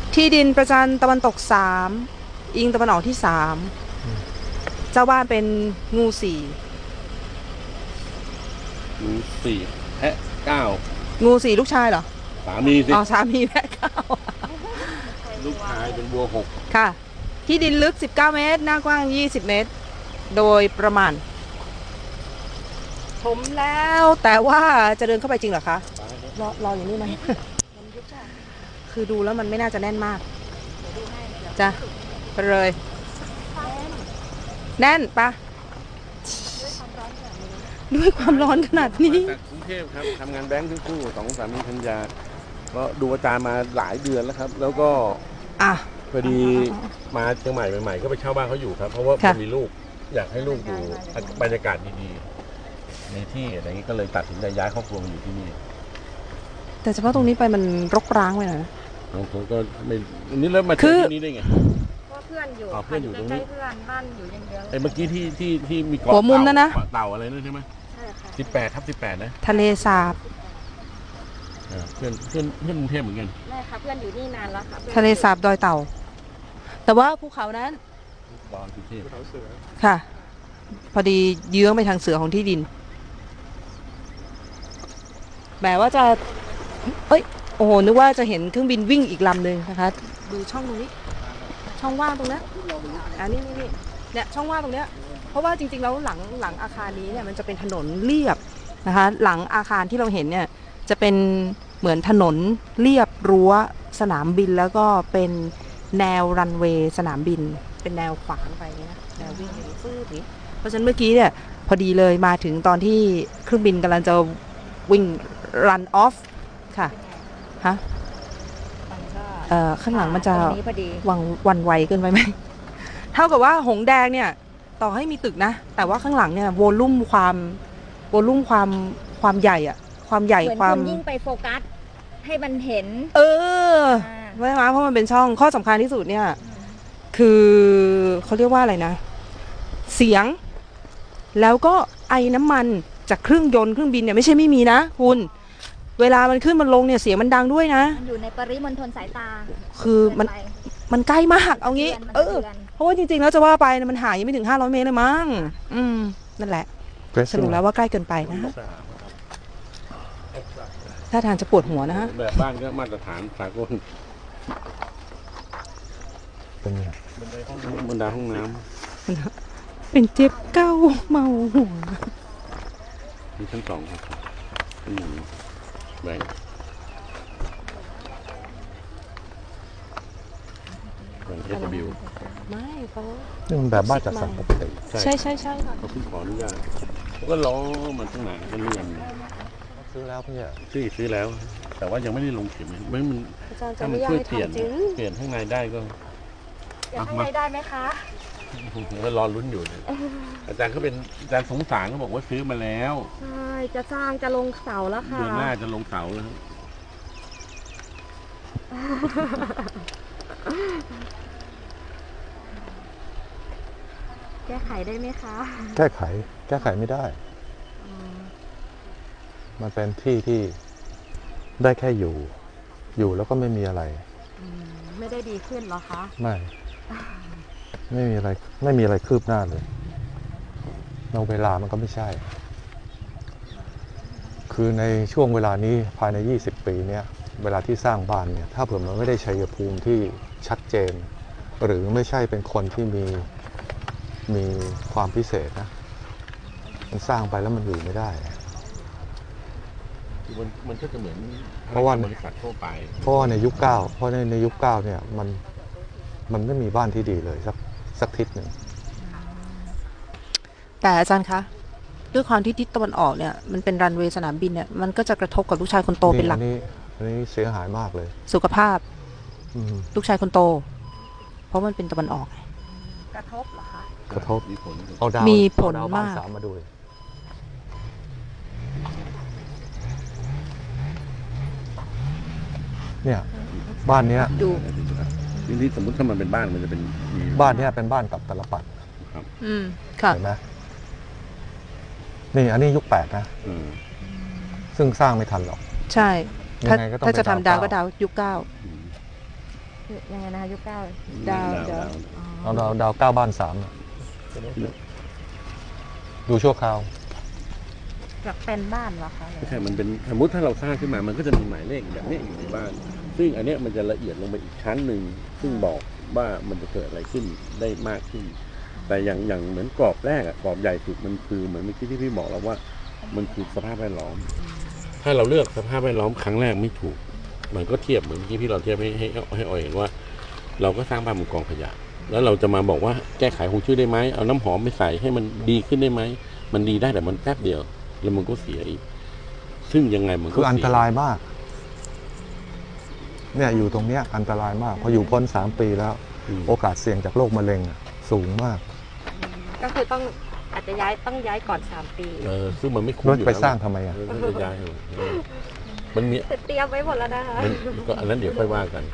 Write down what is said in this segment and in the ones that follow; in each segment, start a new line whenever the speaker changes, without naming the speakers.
ที่ดินประจันตะวันตก3อิงตะวันออกที่3เจ้าบ้านเป็นงู
งู4แพะ9
งู4ลูกชายเหรอ
สามีสิ
อ๋อสามีแพะ
ลูกชายเป็นวัว6
ค่ะที่ดินลึก19เมตรหน้ากว้าง20เมตรโดยประมาณถมแล้วแต่ว่าจะเดินเข้าไปจริงเหรอคะรออย่างนี้ไหมคือดูแล้วมันไม่น่าจะแน่นมากจ้ะไปเลยแน่นปะด้วยความร้อนขนาดนี้
จากกรุงเทพครับทำงานแบงค์ทั้งคู่2สามีภรรยาก็ดูอาจารย์มาหลายเดือนแล้วครับแล้วก็พอดีมาเชียงใหม่ใหม่ๆก็ไปเช่าบ้านเขาอยู่ครับเพราะว่าผมมีลูกอยากให้ลูกอยู่บรรยากาศดีๆในที่อะไรอย่างนี้ก็เลยตัดสินใจย้ายครอบครัวมาอยู่ที่นี่
แต่เฉพาะตรงนี้ไปมันรกร้างไปหน่อยนะ
ผมก็ไม่นี่แล้วมาเจอที่นี่ได้ไง
เพื่อนอยู่ตรงนี้เพื่อนบ้านอยู่อย่างเดียว
ไอ้เมื่อกี้ที่มีเกาะ
หัวมุมนั่นนะ
เต่าอะไรนั่นใช่ไหม
ใช่ค่ะ
18/18นะ
ทะเลสาบ
เพื่อนกรุงเทพเหมือนกัน
ไม่ค่ะเพื่อนอยู่นี่นานแล้วค่ะ
ทะเลสาบดอยเต่าแต่ว่าภูเขานั้น
ดอนกรุงเทพ
ค่ะพอดีเยื้องไปทางเสือของที่ดินแหมว่าจะโอ้โหนึกว่าจะเห็นเครื่องบินวิ่งอีกลำหนึ่งนะคะดูช่องตรงนี้ช่องว่างตรงนี้นี่เนี่ยช่องว่างตรงเนี้ยเพราะว่าจริงๆแล้วหลังอาคารนี้เนี่ยมันจะเป็นถนนเรียบนะคะหลังอาคารที่เราเห็นเนี่ยจะเป็นเหมือนถนนเรียบรั้วสนามบินแล้วก็เป็นแนวรันเวย์สนามบินเป็นแนวขวางไปนะแนววิ่งอย่างนี้ฟืดนี้เพราะฉะนั้นเมื่อกี้เนี่ยพอดีเลยมาถึงตอนที่เครื่องบินกำลังจะวิ่ง run off ค่ะฮะข้างหลังมันจะวันไวเกินไปไหมเท่ากับว่าหงแดงเนี่ยต่อให้มีตึกนะแต่ว่าข้างหลังเนี่ยโวลุ่มความใหญ่อะความใหญ่ความ
ยิ่งไปโฟกัสให้มันเห็น
ไม่มาเพราะมันเป็นช่องข้อสำคัญที่สุดเนี่ยคือเขาเรียกว่าอะไรนะเสียงแล้วก็ไอ้น้ำมันจากเครื่องยนต์เครื่องบินเนี่ยไม่ใช่ไม่มีนะคุณเวลามันขึ้นมันลงเนี่ยเสียงมันดังด้วยนะ
มันอยู่ในปริมณฑลสายตา
คือมันใกล้มากเอางี้เพราะว่าจริงๆแล้วจะว่าไปมันหายยังไม่ถึง500 เมตรเลยมั้งนั่นแหละสรุปแล้วว่าใกล้เกินไปนะถ้าทางจะปวดหัวนะฮะ
แบบบ้านก็มาตรฐานสากล
เป็นไง
บรรดาห้องน้
ำเป็นเจ็บเก้าเมาหัว
มีชั้น2ครับชั้น1แบ่งSW
ไม่เขา
นี่มันแบบบ้านจัดสรรปกติ
ใช่
ค่ะเขาเพิ่งขออนุญาตเขาก็ล้อมันตั้งนานก็เลื่อน
ซื้อแล้วพี่
ซื้อแล้วแต่ว่ายังไม่ได้ลงเข็มไม่มันถ้ามันช่วยเปลี่ยนข้างในได้ก็
ข้างในได้ไหมคะ
ก็รอลุ้นอยู่อาจารย์เขาเป็นอาจารย์สงสารเขาบอกว่าซื้อมาแล้ว
ใช่จะสร้างจะลงเสาแล้วค่ะ
เดือนหน้าจะลงเสาแล้ว
แก้ไขได้ไหมคะ
แก้ไขไม่ได้มันเป็นที่ที่ได้แค่อยู่แล้วก็ไม่มีอะไร
ไม่ได้ดีขึ้นหรอคะ
ไม่มีอะไรคืบหน้าเลยเราเวลามันก็ไม่ใช่คือในช่วงเวลานี้ภายใน20 ปีเนี่ยเวลาที่สร้างบ้านเนี่ยถ้าเผื่อมันไม่ได้ชัยภูมิที่ชัดเจนหรือไม่ใช่เป็นคนที่มีความพิเศษนะมันสร้างไปแล้วมันอยู่ไม่ได้
มันก็จะเหมือน
เพราะว่า
บริษัททั่วไป
เพราะในยุค9เพราะในยุค9เนี่ยมันไม่มีบ้านที่ดีเลยสักทิศหนึ่ง
แต่อาจารย์คะด้วยความที่ทิศตะวันออกเนี่ยมันเป็นรันเวย์สนามบินเนี่ยมันก็จะกระทบกับลูกชายคนโตเป็นหลัก
อันนี้เสียหายมากเลย
สุขภาพลูกชายคนโตเพราะมันเป็นตะวันออก
กระทบเหรอคะ
กระทบ
มีผลมาก
มาดูเนี่ยบ้านเนี้ย
ดู
นี่สมมติถ้ามันเป็นบ้านมันจะเป็น
บ้านเนี้ยเป็นบ้านกับตลปัด
ครับ
ค่ะ
เห็นไหมนี่อันนี้ยุค8นะซึ่งสร้างไม่ทันหรอก
ใช่ถ้าจะทำดาวก็ดาวยุค9
คือยังไงนะคะยุคเก้า
ดาว
ดาว
อ๋อ
ดาว9 บ้าน 3อะดูชั่วคราว
แบบเป็นบ้านเหรอคะ
ไม่ใช่มันเป็นสมมติถ้าเราสร้างขึ้นมามันก็จะมีหมายเลขแบบนี้อยู่ในบ้าน ซึ่งอันเนี้ยมันจะละเอียดลงไปอีกชั้นหนึ่งซึ่งบอกว่ามันจะเกิดอะไรขึ้นได้มากขึ้น แต่อย่างเหมือนกรอบแรกอะกรอบใหญ่สุดมันคือเหมือนเมื่อกี้ที่พี่บอกแล้วว่ามันคือสภาพแวดล้อม ถ้าเราเลือกสภาพแวดล้อมครั้งแรกไม่ถูก มันก็เทียบเหมือนเมื่อกี้พี่เราเทียบให้ออยเห็นว่า เราก็สร้างบ้านบนกองขยะ แล้วเราจะมาบอกว่าแก้ไขฮวงจุ้ยได้ไหมเอาน้ำหอมไปใส่ให้มันดีขึ้นได้ไหมมันดีได้แต่มันแป๊บเดียว แล้วมันก็เสียอีก ซึ่งยังไงมันก็
คืออันต
เสีย
รายมาก เนี่ยอยู่ตรงเนี้ยอันตรายมากพออยู่พ้น3 ปีแล้ว โอกาสเสี่ยงจากโรคมะเร็งอะสูงมาก
ก็คืออาจจะต้องย้ายก่อน3 ปี
ซึ่งมันไม่คุ้ม
รถ
อยู่
ไป
แล้ว
สร้างทำไมอ่ะ
จะย้ายมันมี
แต่เตรียมไว้หมดแล้วนะคะ
ก็อันนั้นเดี๋ยวค่อยว่ากัน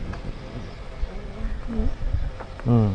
อืม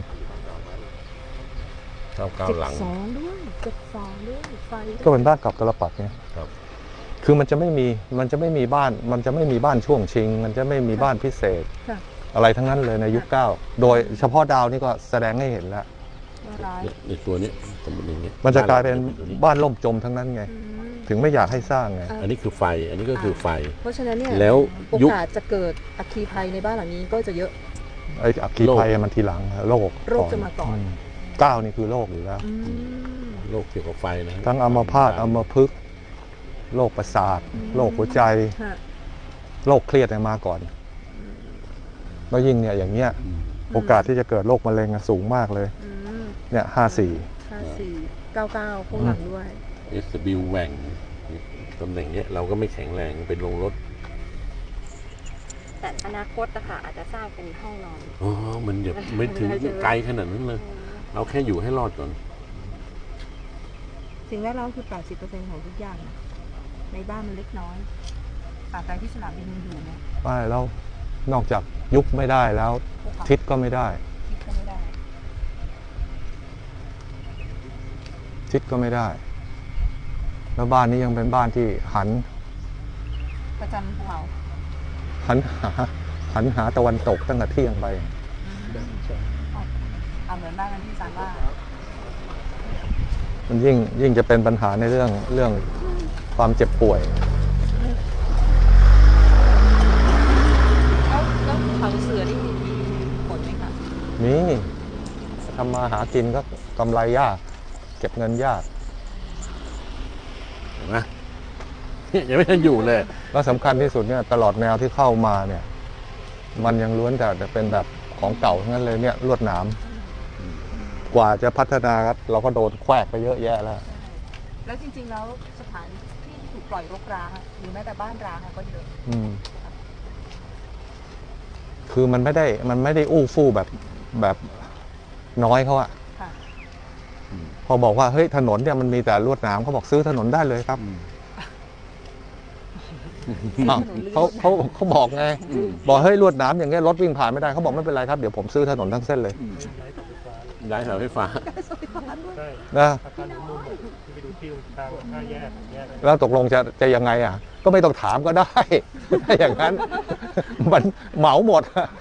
ก้าวหลัง
12ด้วย12ด้วยไฟ
ก็เป็นบ้านเกับตลปัดไง
ครับ
คือมันจะไม่มีบ้าน มันจะไม่มีบ้านช่วงชิง มันจะไม่มีบ้านพิเศษ
ค่ะ
อะไรทั้งนั้นเลยในยุค 9 โดยเฉพาะดาวนี่ก็แสดงให้เห็นแล้ว
ร้าย
ในตัวนี้สมมติอย่างเงี้ย
มันจะกลายเป็นบ้านล่มจมทั้งนั้นไง
อืม
ถึงไม่อยากให้สร้างไง
อันนี้คือไฟ อันนี้ก็คือไฟ
เพราะฉะนั้นเนี่ย
แล้ว
โอ
ยุค
กาสจะเกิดอัคคีภัยในบ้านหลังนี้ก็จะเยอะ
ไอ้อัคคีภัยมันทีหลังโรค
โรคจะมาก่อน
9นี่คือโรคอยู่แล้ว
อืม
โรคเกี่ยวกับไฟนะ
ทั้งอัมพาตอัมพฤกษ์โรคประสาท โรคหัวใจ
ค่ะ
โรคเครียดเนี่ยมาก่อน แล้วยิ่งเนี่ยอย่างเงี้ย โอกาสที่จะเกิดโรคมะเร็งอะสูงมากเลย
อืม
เนี่ย54
5499พวกหลังด้วย
เอสบิวแหว่งตำแหน่งเนี้ยเราก็ไม่แข็งแรงเป็นโรงรถ
แต่อนาคตนะคะอาจจะสร้างเป็นห้องนอน
อ๋อ มันอย่าไม่ถึงไกลขนาดนั้นเลย เราแค่อยู่ให้รอดก่อน
สิ่งแวดล้อมคือ 80% ของทุกอย่างนะในบ้านมันเล็กน้อยตราบใดที่สนามบินยังอยู่เนี่ย
ไม่แล้วนอกจากยุบไม่ได้แล้ว
ภูเขา
ทิศก็ไม่ได้
คิดก็ไม่ได้
ทิศก็ไม่ได้ แล้วบ้านนี้ยังเป็นบ้านที่หัน
ประจันภูเขา
หันหาตะวันตกตั้งแต่เที่ยงไป
เหมือนบ้านกันที่ซานว่า
มันยิ่งจะเป็นปัญหาในเรื่องความเจ็บป่วย
แล้วภูเขาเสือนี่มีผลไหมคะ
นี่ทำมาหากินก็กำไรยาก เก็บเงินยาก
เห็นไหมเนี่ยยังไม่ทันอยู่เลย
แล้วสำคัญที่สุดเนี่ยตลอดแนวที่เข้ามาเนี่ย มันยังล้วนแต่เป็นแบบของเก่าทั้งนั้นเลยเนี่ยลวดหนามกว่าจะพัฒนาครับเราก็โดนแควกไปเยอะแยะแล้ว
แล้วจริงๆแล้วสถานที่ถูกปล่อยรกร้างอะหรือแม้แต่บ้านร้างอะก็เยอะ
คือมันไม่ได้อู้ฟู่แบบน้อยเขาอะ
ค่ะ
พอบอกว่าเฮ้ยถนนเนี่ยมันมีแต่ลวดหนามเขาบอกซื้อถนนได้เลยครับอ้าวเขาบอกไงบอกเฮ้ยลวดหนามอย่างเงี้ยรถวิ่งผ่านไม่ได้เขาบอกไม่เป็นไรครับเดี๋ยวผมซื้อถนนทั้งเส้นเลย
ย้ายเสาไฟฟ้า
นะ
อาคารมุมที่ไปดูที่ทาง5 แยกแยก
แล้วตกลงจะยังไงอ่ะ ก็ไม่ต้องถามก็ได้ ถ้าอย่างนั้น มันเหมาหมด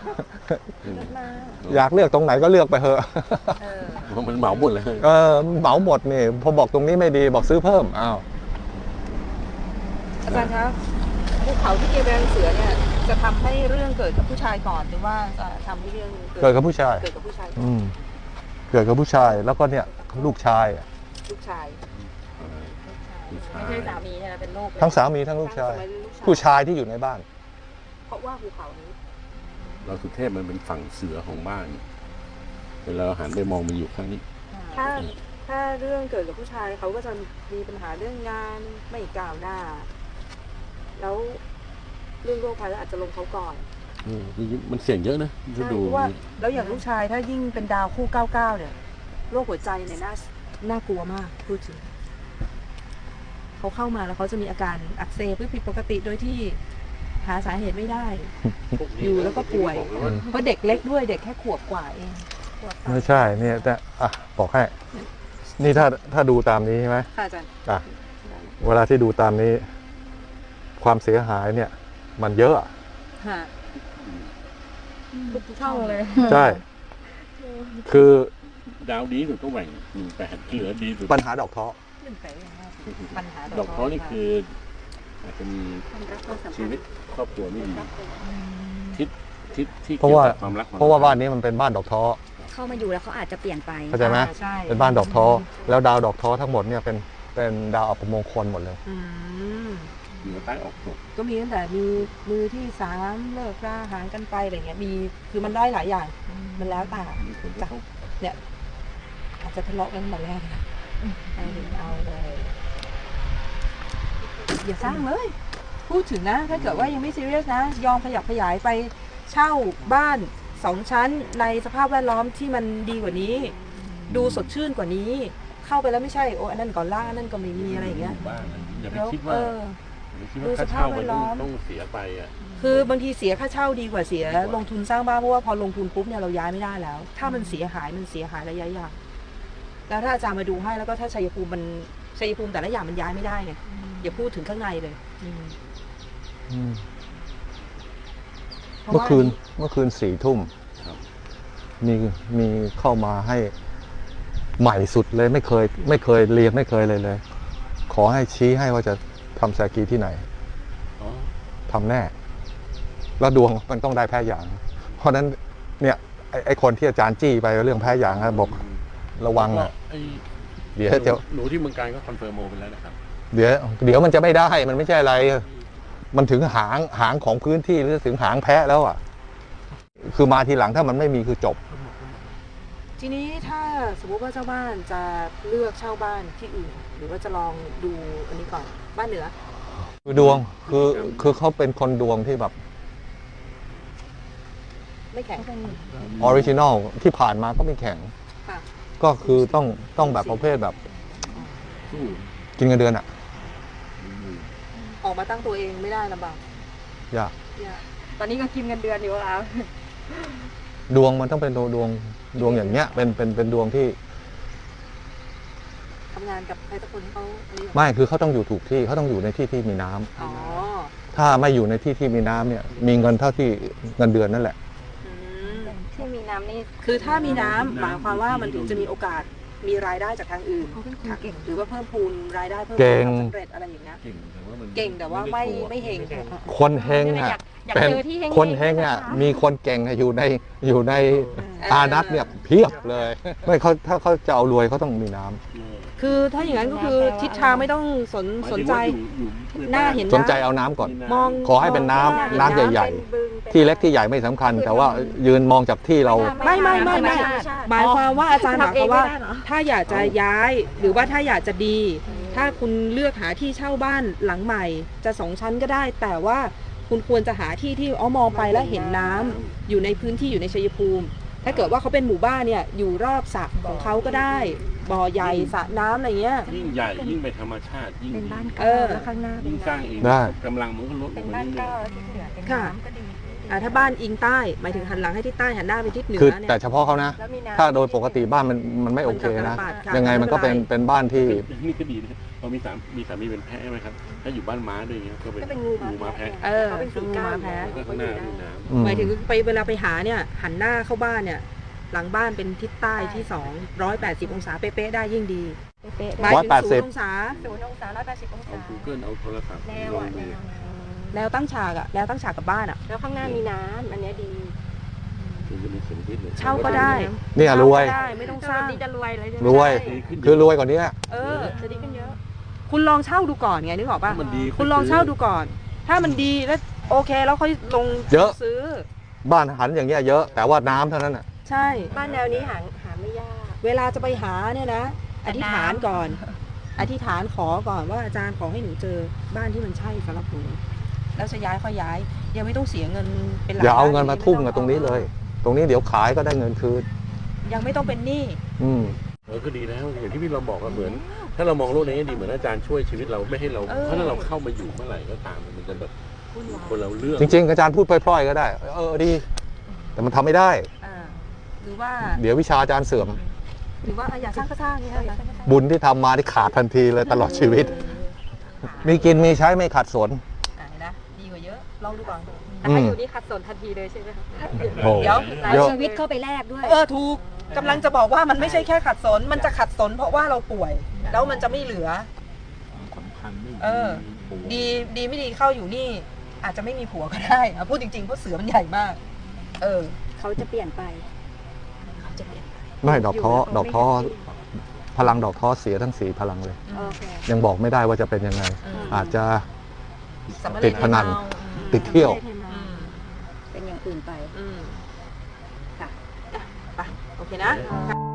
อยากเลือกตรงไหนก็เลือกไปเถอะ
มันเหมาหมดเลย
เหมาหมดนี่พอบอกตรงนี้ไม่ดีบอกซื้อเพิ่มอ้าว
อาจารย์ครับภูเขาที่เกเบลเสือเนี่ยจะทำให้เรื่องเกิดกับผู้ชายก่อนหรือว่าจะทำให้เรื่อง
เกิดกับผู้ชาย
เกิดกับผู้ชาย
เกิดกับผู้ชายแล้วก็เนี่ยลูกชาย
ลูกชาย
ไม่ใช่สามีใช่ไหมเป็นลูกเลย
ทั้งสามีทั้งลูกชาย ผู้ชายที่อยู่ในบ้าน
เพราะว่าภูเขานี้
เราสุเทพมันเป็นฝั่งเสือของบ้านเวลาเราหันไปมองมันอยู่ข้างนี้
ถ้าเรื่องเกิดกับผู้ชายเขาก็จะมีปัญหาเรื่องงานไม่ก้าวหน้า แล้วเรื่องโรคภัยก็อาจจะลงเขาก่อน
มันเสี่ยงเยอะนะถ้า
ใช่
ดู
เพราะว่าแล้วอย่างลูกชายถ้ายิ่งเป็นดาวคู่ 99 เนี่ยโรคหัวใจเนี่ยน่ากลัวมากพูดจริงเขาเข้ามาแล้วเขาจะมีอาการอักเสบผิดปกติโดยที่หาสาเหตุไม่ได้ อยู่แล้วก็ป่วย เพราะเด็กเล็กด้วยเด็กแค่ขวบกว่าเองขวบกว่า
ไม่ใช่เนี่ยแต่บอกให้ นี่ถ้าดูตามนี้ใช่ไหม
ค่ะอาจารย์
เวลาที่ดูตามนี้ ความเสียหายเนี่ย มันเยอะ
ค่ะ
ทุกช่องเลย
ใช่ คือ
ดาวดีสุดก็แหว่ง18เหลือดีสุด
ปัญหาดอกท้อ
ปัญหา
ดอกท้อนี่คืออาจจะมีชีวิตครอบครัวไม่ดีทิศที่
เพราะ
เกี่ยว
ว่า
กับความรัก
เพราะว่าบ้านนี้มันเป็นบ้านดอกท้อ
เข้ามาอยู่แล้วเขาอาจจะเปลี่ยนไป
เข้าใจไหม
ใช่
เป็นบ้านดอกท้อแล้วดาวดอกท้อทั้งหมดเนี่ยเป็นดาวอัปมงคลหมดเลย
อืม
เหนือใต้ออกตก
ก็มีตั้งแต่มีมือที่สามเลิกราหางกันไปอะไรเงี้ยมีคือมันได้หลายอย่าง มันแล้วแต่
มีผลกระทบ
อาจจะทะเลาะกันแต่แรกนะเอาเลยอย่าสร้างเลย พูดถึงนะ ถ้าเกิดว่ายังไม่ซีเรียสนะ ยอมขยับขยายไปเช่าบ้าน2 ชั้นในสภาพแวดล้อมที่มันดีกว่านี้ ดูสดชื่นกว่านี้ เข้าไปแล้วไม่ใช่โอ้อันนั้นก่อนล่างอันนั้นก็ไม่มีอะไรอย่างเงี้ย
บ้านอย่าไป
แล้ว
คิดว่าอย่าไปคิดว่าค่าเช่ามันต้องเสียไปอ่ะ
คือบางทีเสียค่าเช่าดีกว่าเสียลงทุนสร้างบ้านเพราะว่าพอลงทุนปุ๊บเนี่ยเราย้ายไม่ได้แล้ว ถ้ามันเสียหายระยะยาวแล้วถ้าอาจารย์มาดูให้แล้วก็ถ้าชัยภูมิแต่ละอย่างมันย้ายไม่ได้ไงอย่าพูดถึงข้างในเลย
เมื่อคืน4 ทุ่ม
ครับ
มีเข้ามาให้ใหม่สุดเลยไม่เคยเรียนไม่เคยเลย ขอให้ชี้ให้ว่าจะทำแซกีที่ไหน
อ๋อ
ทำแน่ แล้วดวงมันต้องได้แพ้อย่าง เพราะฉะนั้นเนี่ยไอ้คนที่อาจารย์จี้ไปเรื่องแพ้อย่างนะบอกระวังนะ
ไอ้
เดี๋ยวจะ
หนูที่เมืองการก็คอนเฟิร์มโมไปแล้วนะครับ
เดี๋ยวมันจะไม่ได้มันไม่ใช่อะไร มันถึงหางของพื้นที่หรือถึงหางแพะแล้วอ่ะ คือมาทีหลังถ้ามันไม่มีคือจบ
ทีนี้ถ้าสมมติว่าเจ้าบ้านจะเลือกเช่าบ้านที่อื่น หรือว่าจะลองดูอันนี้ก่อนบ้านเหนือ
คือดวงคือเขาเป็นคนดวงที่แบบ
ไม่แข็ง
ออริจินอลที่ผ่านมาก็ไม่แข็ง
ค่ะ
ก็คือต้องแบบประเภทแบบ
สู้
กินเงินเดือนอ่ะ
ออกมาตั้งตัวเองไม่ได้ลำบาก
ยาก
ตอนนี้ก็กินเงินเดือนอยู่แล้ว
ดวงมันต้องเป็นดวงอย่างเงี้ยเป็นดวงที่
ทำงานกับใครสักคนที่เขาอันนี้
ไม่คือเขาต้องอยู่ถูกที่เขาต้องอยู่ในที่ที่มีน้ำ
อ๋อ
ถ้าไม่อยู่ในที่ที่มีน้ำเนี่ย มีเงินเท่าที่เงินเดือนนั่นแหละ
อืม
ที่มีน้ำนี่
คือถ้ามีน้ำหมายความว่ามันถึงจะมีโอกาสมีรายได้จากทางอื่น
เขาเป็นคนเก่ง
หรือว่าเพิ่มพูนรายได้เพิ่ม
เก่
พูน
ง
ความสำเร็จอะไรอย่างเงี้ย
เก่งแต่ว่ามัน
เก่งแต่ว่าไม่เฮง
คนเฮง
อยา
อ่ะ
กอยาก
เป็น
เจอที่เฮงๆ
คนเฮงอ่ะ
นะคะ
มีคนเก่งอะอยู่ในอานัตเนี่ยเพียบเลย ไม่เขาถ้าเขาจะเอารวยเขาต้องมีน้ำ
คือถ้าอย่างนั้นก็คือทิศทางไม่ต้องสนใจ หน้าเห็น
สนใจเอาน้ำก่อน
มอง
ขอให้เป็นน้ำน้ำใหญ่ๆ ที่เล็กที่ใหญ่ไม่สำคัญ แต่ว่ายืนมองจากที่เรา
ไม่หมายความว่าอาจารย์หมายความว่า
ทำเองไม่ได้เหรอ
ถ้าอยากจะย้ายหรือว่าถ้าอยากจะดี ถ้าคุณเลือกหาที่เช่าบ้านหลังใหม่จะ2 ชั้นก็ได้ แต่ว่าคุณควรจะหาที่ที่มองไปแล้วเห็นน้ำอยู่ในพื้นที่อยู่ในชัยภูมิ ถ้าเกิดว่าเขาเป็นหมู่บ้านเนี่ยอยู่รอบสระของเขาก็ได้บ่อใหญ่สระน้ำอะไรเงี้ย
ยิ่งใหญ่ยิ่งไปธรรมชาติยิ่ง
เป็นบ้าน
เอ
เก่า
อ
แล้วข้างหน้าเป็
ยิ่
น
งสร้างเอง
ได้
กำลังมันก็ลดล
เป็
ง
น
มา
บ้าน
เรื่
เก่า
อย
ที่เหลือเป็น
ค่ะ
น้ำก็ดี
ถ้าบ้านอิงใต้หมายถึงหันหลังให้ทิศใต้หันหน้าไปทิศเหนือ
คือ
เนี่ย
แต่เฉพาะเขานะ
แล้วมีน้ำ
ถ้าโดยปกติบ้านมันไม่โอเคนะ ยังไงมันก็เป็นบ้านที่
ๆนี่ก็ดีนะพอมีสามีเป็นแพะใช่ไหมครับถ้าอยู่บ้านม้าด้วยอย่างเงี้ยก็เป็นงูม้าแพะ
เออ
เขาเป็นสีก้า
แพ้
แล้วก็ข้างหน้ามีน้ำ
อืม
หมายถึงไปเวลาไปหาเนี่ยหันหน้าเข้าบ้านเนี่ยหลังบ้านเป็นทิศใต้ที่180 องศาเป๊ะๆได้ยิ่งดี
เป๊ะ
หมายถึง0 องศา
0 องศา180 อง
เอา
ศา
Google เอาโทรศัพท์
แนว
ลอ
อ่ะ
ง
แน
ดู
ว
แนวตั้งฉากอะแนวตั้งฉากกับบ้านอะ
แล้วข้างหน้ามีน้ำอันเนี้ยดี
ถึงจะมีเสียงพิษเลย
เช่าก็ได้
เนี่ยรวย
เช่าก็ได้ไม่ต้องสร้าง
ดีจะรวยเลย
รวย คือรวยกว่านี้
เออ
จะดีขึ้นเยอะ
คุณลองเช่าดูก่อนไงนึกออกป่ะ
ถ้ามันดี
คุณลองเช่าดูก่อน ถ้ามันดีแล้วโอเคแล้วค่อยลง
เยอะ
ซื้อ
บ้านหันอย่างเงี้ยเยอะ แต่ว่าน้ำเท่านั้นอ่ะ
ใช่
บ้านแนวนี้หาไม่ยาก
เวลาจะไปหาเนี่ยนะ อธิษฐานก่อน อธิษฐานขอก่อนว่าอาจารย์ขอให้หนูเจอบ้านที่มันใช่สำหรับหนูแล้วจะย้ายค่อยย้าย ยังไม่ต้องเสียเงินเป็นหลัก
อย่าเอา
ล้
เงินมาทุ่มกับตรงนี้เลย ตรงนี้เดี๋ยวขายก็ได้เงินคืน
ยังไม่ต้องเป็นหนี้
อืม
ก็ดีแล้วอย่างที่พี่เราบอกก็เหมือน ถ้าเรามองโลกในแง่ดีเหมือนอาจารย์ช่วยชีวิตเราไม่ให้เราเพราะถ้าเราเข้ามาอยู่เมื่อไหร่ก็ตามมันจะแบบคนเราเลือก
จริงๆอาจารย์พูดพล่อยๆก็ได้ ดี แต่มันทำไม่ได้
อ่าหรือว่า
เดี๋ยววิชาอาจารย์เสื่อม
หรือว่าอยากสร้างก็สร้างนี่ค่ะ
บุญที่ทำมาที่ขาดทันทีเลยตลอดชีวิต มีกินมีใช้ไม่ขาดสน
เห็นนะดีกว่าเยอะลองดูก่อน
แต่ถ้าอยู่นี่ขัดสนทันทีเลยใช่ไหมคะ
โอ้
เดี๋ยว
เอา
เยอะ
ชีวิตเข้าไปแลกด้วย
ถูกกำลังจะบอกว่ามันไม่ใช่แค่ขัดสน มันจะขัดสนเพราะว่าเราป่วย แล้วมันจะไม่เหลือ
สำคัญไม่
ดีไม่ดีเข้าอยู่นี่อาจจะไม่มีผัวก็ได้พูดจริงๆเพราะเสือมันใหญ่มาก
เขาจะเปลี่ยนไป
ไม่ดอกท้อพลังดอกท้อเสียทั้ง4พลังเลย
โอเค
ยังบอกไม่ได้ว่าจะเป็นยังไง อาจจะ
สำเร็จ
ติดพนัน
ให้เมา
ติดเที่ยว
เป็นอย่างอื่นไป
อืม
ค่ะ
ไปโอเคนะ